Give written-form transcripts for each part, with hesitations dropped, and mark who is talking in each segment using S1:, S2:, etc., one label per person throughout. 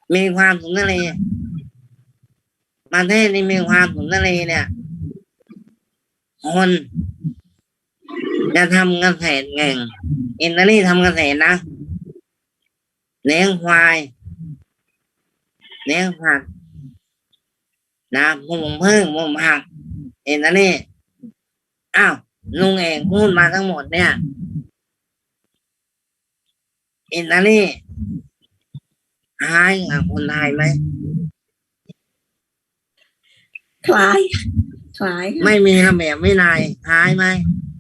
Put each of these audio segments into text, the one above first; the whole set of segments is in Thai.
S1: มีความสุนทรีประเทศนี้มีความสุนทรีเนี่ยคนจะทำเกษตรเก่งอิตาลีทำเกษตรนะเลี้ยงควายเลี้ยงผักนะปลูกพืชปลูกผักอิตาลีอ้าวลุงเอกพูดมาทั้งหมดเนี่ยอิตาลีคล้ายกับคนไทยไหม
S2: คล้าย
S1: ไม่มีระเบียบวินัยคล้ายไหม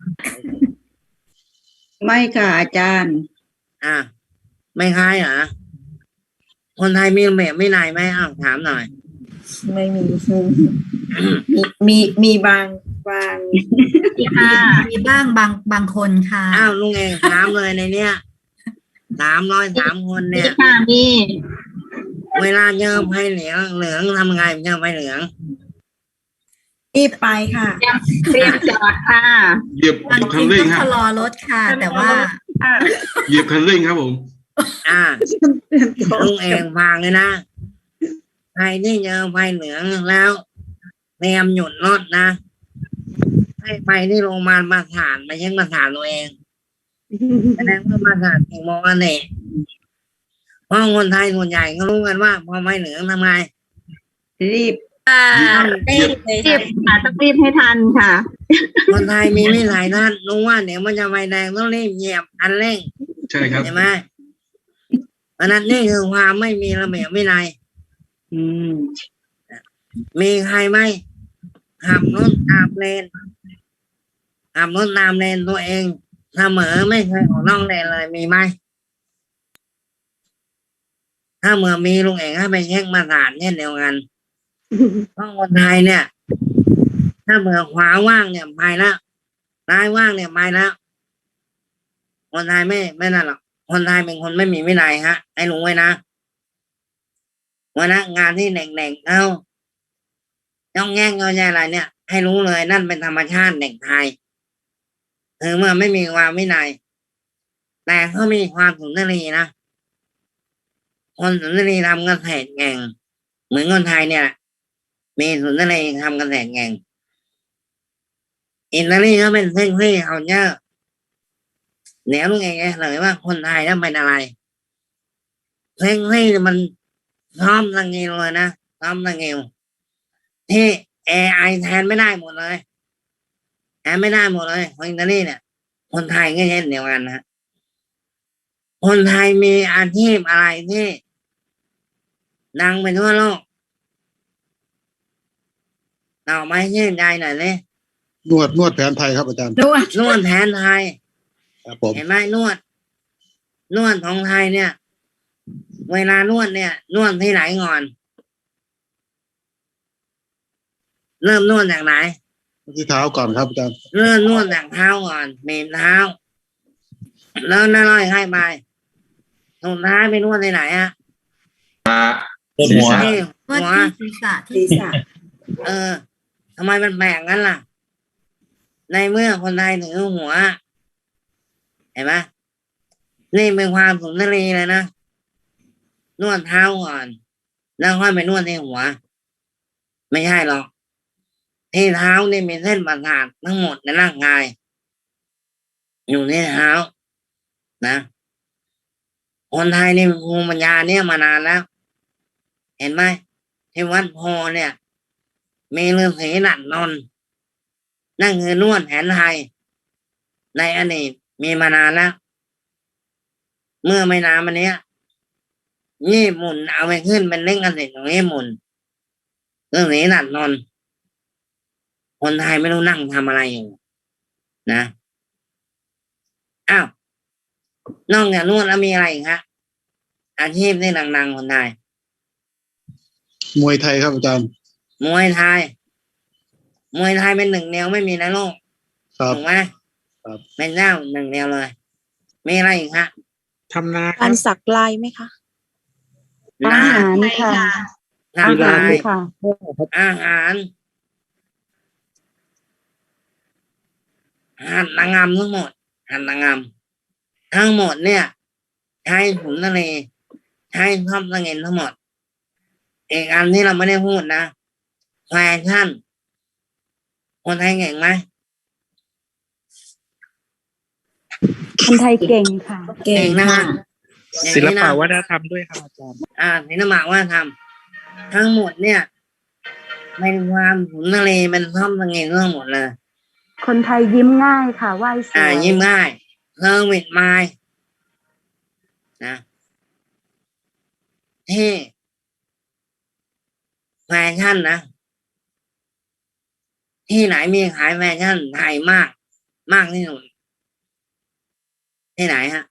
S2: ไม่ค่ะอาจารย์
S1: ไม่คล้ายเหรอคนไทยมีระเบียบวินัยไหมอ้าวถามหน่อย
S2: ไม่มี มีบาง
S3: ค่ะมีบ้างบางคนค่ะ
S1: อ้าวลุงเองถามเลยในเนี้ย303 คนเนี่ย
S3: ค่ะมี
S1: เวลาเจอไฟเหลืองทำไงเจอไฟเหลือง
S2: รีบไปค่ะ
S3: เตรียมจอดค่ะ
S4: เหยียบ
S3: จริง
S4: คันเร่ง
S3: ต้อง
S4: ฮะ
S3: ชะลอรถค่ะ แต่ว่า
S4: เหยียบคันเร่งครับผม
S1: ลุงเองฟังเลยนะใครที่เจอไฟเหลืองแล้วเตรียมหยุดรถนะให้ไปที่โรงพยาบาลประสานไปเช็คประสานตัวเองแสดงว่าประสานถึงโมกันเองเพราะคนไทยส่วนใหญ่ก็รู้กันว่าพอไฟเหลืองทำไง
S2: รีบ
S4: เหยียบ
S3: รีบค่ะต้องรีบให้ทันค่ะ
S1: คนไทยมีวิสัยทัศน์รู้ว่าเดี๋ยวมันจะไฟแดงต้องรีบเหยียบคันเร่ง
S4: ใช่ครับ
S1: ใช่ไหมเพราะนั้นนี่คือความไม่มีระเบียบวินัยมีใครไหมขับรถตามเลนตัวเองเสมอไม่เคยออกนอกเลนเลยมีไหมถ้าเมื่อมีลุงเองให้ไปเช็คมาตรฐานเช่นเดียวกันเพราะคนไทยเนี่ย ถ้าเมื่อขวาว่างเนี่ยไปแล้วซ้ายว่างเนี่ยไปแล้วคนไทยไม่นั่นหรอกคนไทยเป็นคนไม่มีวินัยฮะให้รู้ไว้นะวันนั้นงานที่เด็กๆเขาจ้องแง่งเอาใจอะไรเนี่ยให้รู้เลยนั่นเป็นธรรมชาติเด็กไทยคือเมื่อไม่มีความวินัยแต่เขามีความสุนทรีนะคนสุนทรีทำเกษตรเก่งเหมือนคนไทยเนี่ยมีสุนทรีทำเกษตรเก่งอิตาลีเขาเป็นเส้นที่เขาเยอะเดี๋ยวลุงเองเลยว่าคนไทยนั้นเป็นอะไรเส้นที่มันซ้อมตังเงิวเลยนะซ้อมตังเงิวที่ AI แทนไม่ได้หมดเลยแทนไม่ได้หมดเลยคนอิตาลีเนี่ยคนไทยก็เช่นเดียวกันนะคนไทยมีอาชีพอะไรที่ดังไปทั่วโลกต่อไปชื่นใจหน่อยเลย
S5: นวดแผนไทยครับอาจารย์
S1: นวดแผนไทย
S5: ครับผม
S1: เห็นไหมนวดของไทยเนี่ยเวลานวดเนี่ยนวดที่ไหนก่อนเริ่มนวดจากไหน
S5: ที่เท้าก่อนครับอาจารย์
S1: เริ่มนวดจากเท้าก่อนเมนเท้าแล้วน่าร่อยให้ไปสุดท้ายไปนวดที่ไหนอะ
S4: หัว
S1: หัว
S3: ศีรษะ
S1: ทำไมมันแปลกงั้นล่ะในเมื่อคนไทยถือหัวเห็นไหมนี่เป็นความสุนทรีเลยนะนวดเท้าก่อนแล้วค่อยไปนวดที่หัวไม่ใช่หรอกที่เท้านี่มีเส้นประสาททั้งหมดในร่างกายอยู่ที่เท้านะคนไทยนี่ภูมิปัญญาเนี่ยมานานแล้วเห็นไหมที่วัดโพเนี่ยมีฤาษีดัดนนนั่นคือนวดแผนไทยในอดีตมีมานานแล้วเมื่อไม่นานมานี้ญี่ปุ่นเอาไปขึ้นเป็นเล่นกันเสร็จของญี่ปุ่นฤาษีดัดนนคนไทยไม่รู้นั่งทำอะไรอยู่นะอ้าวนอกจากนวดแล้วมีอะไรอีกฮะอาชีพที่ดังๆคนไทย
S5: มวยไทยครับอาจารย์
S1: มวยไทยเป็นหนึ่งเดียวไม่มีในโลกถูกไหมเป็นเจ้าหนึ่งเดียวเลยมีอะไรอีกฮะ
S5: ทำนา
S2: การสักลายไหมคะอาหารค่ะ
S1: อาหารค่ะอาหารหัตถกรรมทั้งหมดเนี่ยใช้ขุนทะเลใช้ทอดตะเงินทั้งหมดอีกอันที่เราไม่ได้พูดนะแฟชั่นคนไทยเก่งไหม
S2: คนไทยเก่งค่ะ
S3: เก่ง
S1: นะ
S3: ค่ะ
S1: ฮะอย่าง
S5: ศิล
S1: นี้
S5: ปะ
S1: นะ
S5: วัฒนธรรมด้วยครับอาจารย์
S1: ศิลปะวัฒนธรรมทั้งหมดเนี่ยเป็นความขุนทะเลเป็นท่อมตะเงงทั้งหมดเลย
S2: คนไทยยิ้มง่ายค่ะไหว้สวย
S1: ยิ้มง่ายเซอร์วิสไมล์นะที่แฟชั่นนะ ที่ไหนมีขายแฟชั่นไทยมาก มากที่สุดที่ไหนฮะ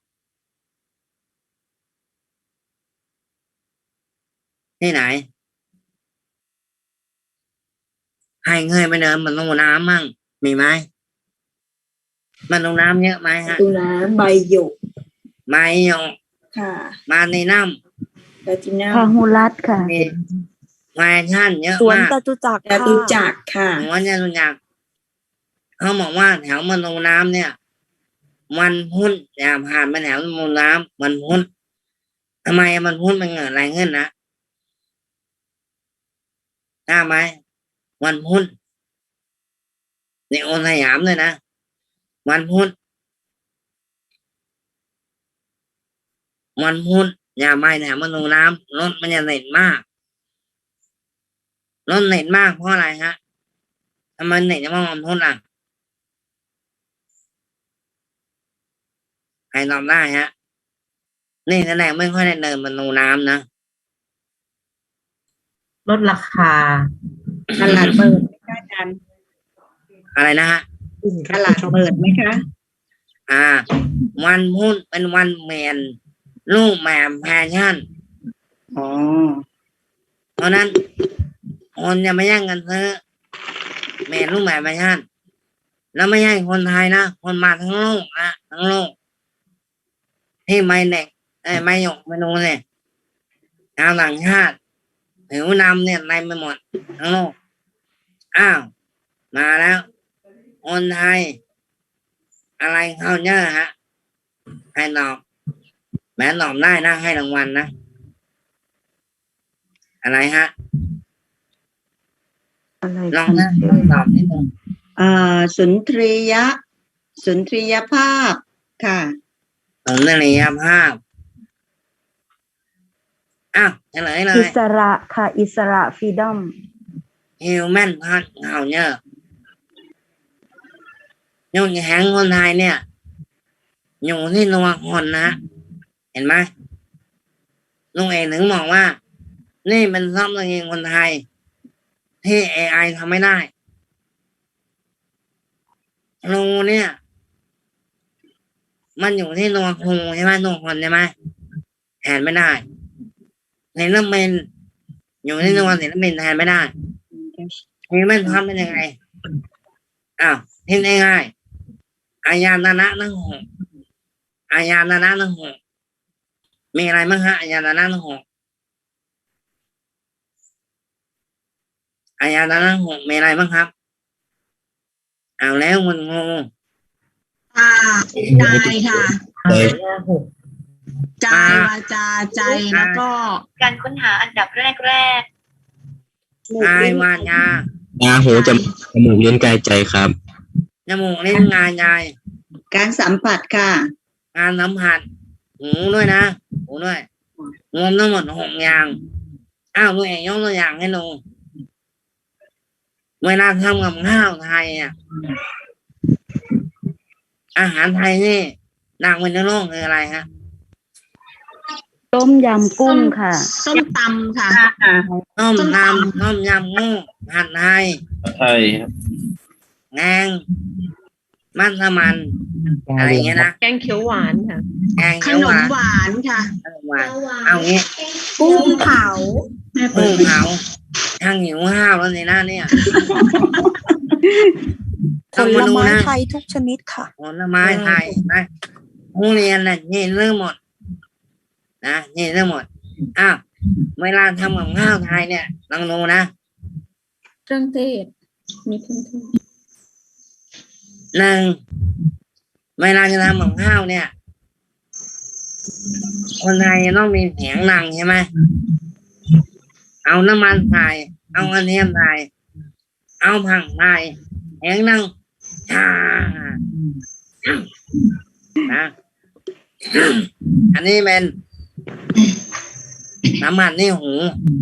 S1: ที่ไหนใครเคยไปเดินบนตูน้ำมั่งมีไหมบนตูน้ำเยอะไหมฮะ
S3: ตูน้ำใบหยก
S1: ไม้ยอง
S3: ค่ะ
S1: มาในน้
S3: แพลตินัม
S2: พาหุรัตน์ค่ะ
S1: ำมีแฟชั่นเยอะ
S6: สวน
S1: มาก
S6: จตุจักร
S3: จตุจักรค่ะ
S1: หัวจะรู้จักเขาบอกว่าแถวบนตูน้ำเนี่ยวันพุธอย่าผ่านไปแถวบนตูน้ำวันพุธทำไมมันพุธมันเกิดอะไรขึ้นนะทราบไหมวันพุธในโอนสยามเลยนะวันพุธวันพุธอย่าไปแถวบนตูน้ำรถมันจะเน็ตมากรถเน็ตมากเพราะอะไรฮะทำไมเน็ตจะมาวันพุธอ่ะใครตอบได้ฮะนี่แสดงไม่ค่อยได้เดินบนตูน้ำนะ
S7: ลดราคา
S3: ตลาดเปิดไหมคะอาจารย์
S1: อะไรนะฮะ
S3: ตลาดเปิดไหมคะ
S1: วันพุธเป็นวันแมนลูกแมมแฟชั่น
S3: อ๋อ
S1: เพราะนั้นคนจะไม่แย่งกันซื้อแมนลูกแมมแฟชั่นแล้วไม่ใช่คนไทยนะคนมาทั้งโลกนะทั้งโลกที่ไม่เด็กไม่หยกไม่รู้เนี่ยชาวต่างชาติผิวนำเนี่ยในไปหมดทั้งโลกมาแล้วคนไทย อะไรเข้าเยอะฮะให้ตอบแม้ตอบได้นะให้รางวัลนะอะไรฮะ
S2: อะไร
S1: ลอง
S2: คะ
S1: นะตอบนิดนึง
S3: สุนทรียะ สุนทรียภาพค่ะ
S1: สุนทรียภาพเฉลยเล
S2: อิ
S1: ย
S2: สระค่ะ อิสระฟรีดอม
S1: Human Touch เข้าเยอะยุ่งแข็งคนไทยเนี่ยอยู่ที่ตัวคนนะเห็นไหมลุงเอกถึงบอกว่า นี่เป็นซอฟต์แวร์คนไทย ที่ AI ทำไม่ได้ครูเนี่ย มันอยู่ที่ตัวครูใช่ไหมตัวคนใช่ไหมแทนไม่ได้ศิลปินอยู่ที่ตัวศิลปินแทนไม่ได้นี่มันทำเป็นยังไงที่ง่ายๆอายาตนะทั้งหกอายาตนะทั้งหกมีอะไรบ้างฮะอายาตนะทั้งหกอายาตนะทั้งหกมีอะไรบ้างครับเอาแล้วคุณครู
S8: ใจค่ะใจวาจาใจแล้วก็
S6: การค้นหาอันดับแรก
S1: กายวาจา
S9: ตาหูจมูกลิ้นกายใจครับ
S1: จมูกลิ้นกายใจ
S3: การสัมผัสค่ะ
S1: การสัมผัสหูด้วยนะหูด้วยรวมทั้งหมดหกอย่างลุงเอกยกตัวอย่างให้ดูเวลาทำกับข้าวไทยอาหารไทยนี่ดังไปทั่วโลกคืออะไรฮะ
S2: ต้มยำกุ้งค่ะ
S8: ส้มตำค่ะ
S1: ต้มยำงูผัดไทย
S9: ใช่
S1: แกงมัสมั่นอะไรอย่างเงี้ยนะ
S6: ๆ แกงเขียวหวานค่ะ
S1: แกง
S8: ข
S1: เขียวน ห
S8: ม
S1: วาน
S8: หวานค่ะ
S1: หวานเอางี้
S8: กุ้งเผา
S1: กุ้งเผาทางหิวข้าวแล้วสินะเนี่ย
S6: ผลไม้ไทยทุกชนิดค่ะ
S1: ผลไม้ไทยนะผู้เรียนน่ะนี่เรื่องหมดนะนี่เรื่องหมดเวลาทำกับข้าวไทยเนี่ยลองดูนะ
S3: เครื่องเทศ มีเครื่องเทศ
S1: หนึ่งเวลาจะทำกับข้าวเนี่ย คนไทยจะต้องมีเสียงดังใช่ไหมเอาน้ำมันใส่เอากระเทียมใส่เอาผักใส่เองนั่งชานะอันนี้เป็นน้ำมันนี่หู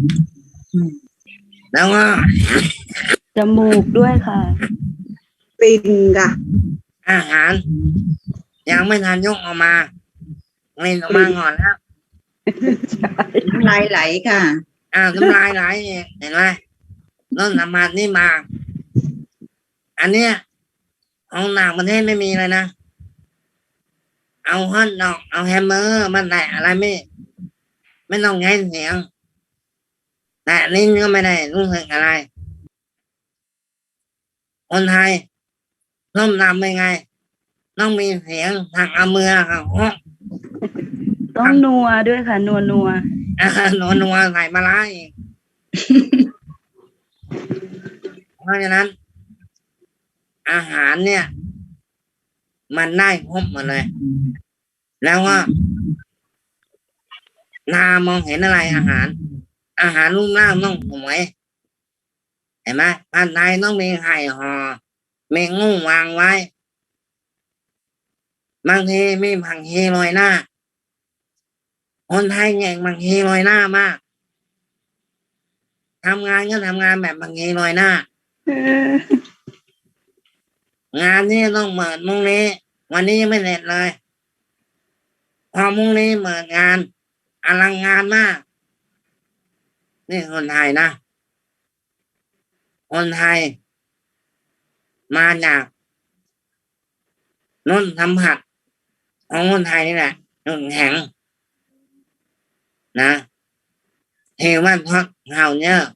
S1: แล้วก็
S2: จมูกด้วยค่ะ
S3: ปิ่นค่ะ
S1: อาหาร ยังไม่ทันยกออกมาเล่นออกมาก่อนแล้ว
S3: น้ำลายไหลค่ะ
S1: น้ำลายไหลเองเห็นไหมต้นน้ำมันนี่มา อันเนี้ยของต่างประเทศไม่มีเลยนะ เอาฮอตดอกเอาแฮมเบอร์มาแตะอะไรไม่ต้องใช้เสียง แตะลิ้นก็ไม่ได้รู้สึกอะไร คนไทยส้มตำเป็นไง ต้องมีเสียงทางเอามือค่ะ
S2: ต้องนัวด้วยค่ะ นัว
S1: นัวใส่มาล้าอีก เพราะฉะนั้น อาหารเนี่ย มันได้ครบหมดเลย แล้วก็นามองเห็นอะไรอาหาร อาหารรูปร่างต้องสวยเห็นไหมผัดไทยต้องมีไข่ห่อมีงูวางไว้ บางทีมีผักชีโรยหน้า คนไทยเก่งผักชีโรยหน้ามากทำงานก็ทำงานแบบผักชีโรยหน้า งานนี้ต้องเปิดมุ่งนี้ วันนี้ยังไม่เสร็จเลย พอมุ่งนี้เปิดงานอลังงานมาก นี่คนไทยนะ คนไทย มาจากนุ่นสัมผัสของคนไทยนี่แหละนุ่นแข็งนะเทวันพักเฮาเนอร์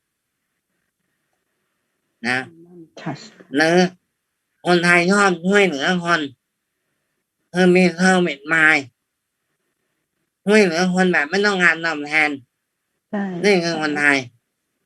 S1: นะ หรือคนไทยชอบช่วยเหลือคนคือมีเซอร์วิสมายช่วยเหลือคนแบบไม่ต้องงานตอบแทน
S2: ใช่
S1: นี่คือคนไทย